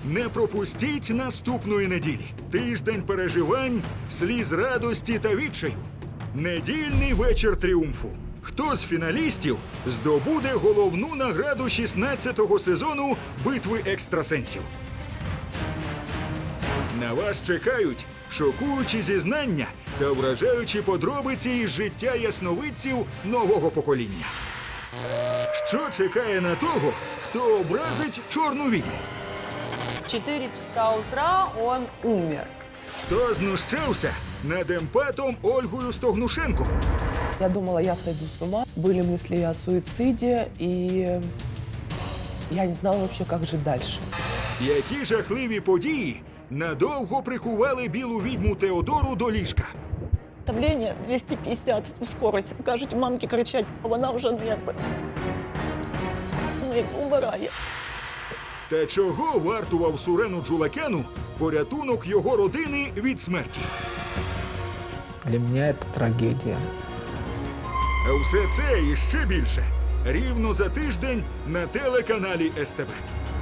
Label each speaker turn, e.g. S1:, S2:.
S1: Не пропустіть наступної неділі. Тиждень переживань, сліз радості та відчаю. Недільний вечір тріумфу. Хто з фіналістів здобуде головну награду 16-го сезону «Битви екстрасенсів»? На вас чекають шокуючі зізнання та вражаючі подробиці із життя ясновидців нового покоління. Що чекає на того, хто образить чорну відьму?
S2: В 4 часа утра он умер.
S1: Хто знущався над емпатом Ольгою Стогнушенко?
S3: Я думала, я сойду с ума. Были мысли о суициде, и я не знала вообще, как жить дальше.
S1: Які жахливі події надовго прикували білу відьму Теодору до ліжка?
S4: Давление 250, скорость. Кажуть, мамки кричать, а вона вже умирає.
S1: Та чого вартував Сурену Джулакяну порятунок його родини від смерті?
S5: Для меня это трагедия.
S1: А все це і ще більше рівно за тиждень на телеканалі СТБ.